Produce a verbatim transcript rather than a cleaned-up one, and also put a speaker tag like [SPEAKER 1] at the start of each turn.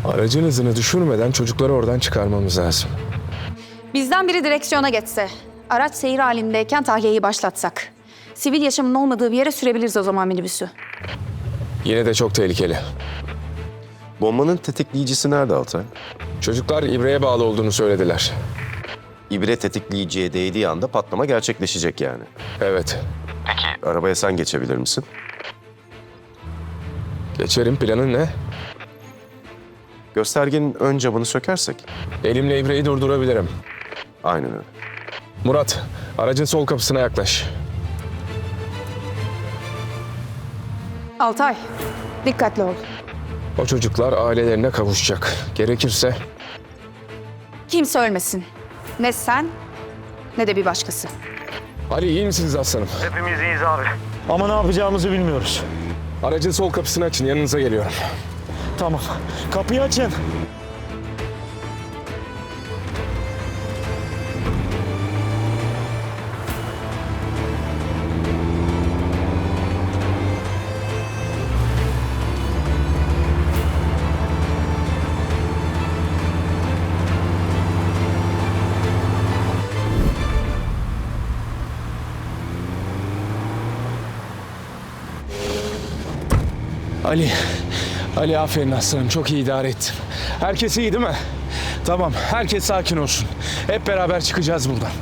[SPEAKER 1] Aracın hızını düşürmeden çocukları oradan çıkarmamız lazım.
[SPEAKER 2] Bizden biri direksiyona geçse, araç seyir halindeyken tahliyeyi başlatsak. Sivil yaşamın olmadığı bir yere sürebiliriz o zaman minibüsü.
[SPEAKER 1] Yine de çok tehlikeli.
[SPEAKER 3] Bombanın tetikleyicisi nerede Altay?
[SPEAKER 1] Çocuklar ibreye bağlı olduğunu söylediler.
[SPEAKER 3] İbre tetikleyiciye değdiği anda patlama gerçekleşecek yani.
[SPEAKER 1] Evet.
[SPEAKER 3] Arabaya sen geçebilir misin?
[SPEAKER 1] Geçerim, planın ne?
[SPEAKER 3] Göstergenin ön camını sökersek.
[SPEAKER 1] Elimle ibreyi durdurabilirim.
[SPEAKER 3] Aynen öyle.
[SPEAKER 1] Murat, aracın sol kapısına yaklaş.
[SPEAKER 2] Altay, dikkatli ol.
[SPEAKER 1] O çocuklar ailelerine kavuşacak. Gerekirse
[SPEAKER 2] Kimse ölmesin. Ne sen, ne de bir başkası.
[SPEAKER 1] Ali, iyi misiniz aslanım?
[SPEAKER 4] Hepimiz iyiyiz abi. Ama ne yapacağımızı bilmiyoruz.
[SPEAKER 1] Aracın sol kapısını açın, yanınıza geliyorum.
[SPEAKER 4] Tamam. Kapıyı açın.
[SPEAKER 1] Ali, Ali aferin aslanım, çok iyi idare ettin. Herkes iyi değil mi? Tamam, herkes sakin olsun. Hep beraber çıkacağız buradan.